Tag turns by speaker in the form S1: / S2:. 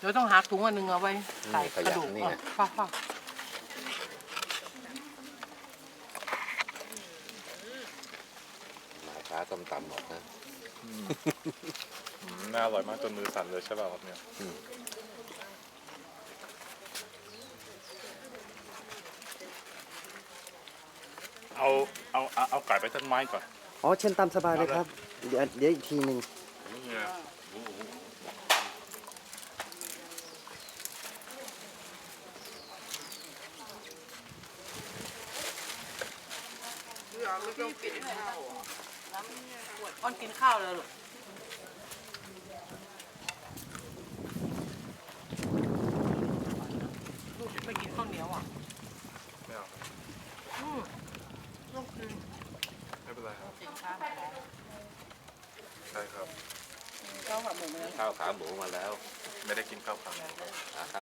S1: ดี๋ยวต้องหาถุงอันนึงเอาไว้ใส่กระดูกฟ้า
S2: มาช้าต้มตำหมดนะ
S3: น่าอร่อยมากจนมือสั่นเลยใช่ป่ะครับเนี่ยเอาไก่ไปต้นไม้ก่อน
S4: อ๋อเชิญตามสบายเลยครับเดี๋ยวอีกทีหนึ่ง
S1: อ้อนกินข้าวเลยหรอลูกไม่กินข้าวเหนียวอ่ะ
S3: ไม่เอา
S1: ลูกกิน
S3: ไม่เป็นไรครับ
S1: สินค้า
S3: ใช่ครับ
S1: ข้าวขาหมูมาแล้ว
S2: ข้าวขาหมูมาแล้ว
S3: ไม่ได้กินข้าวผัด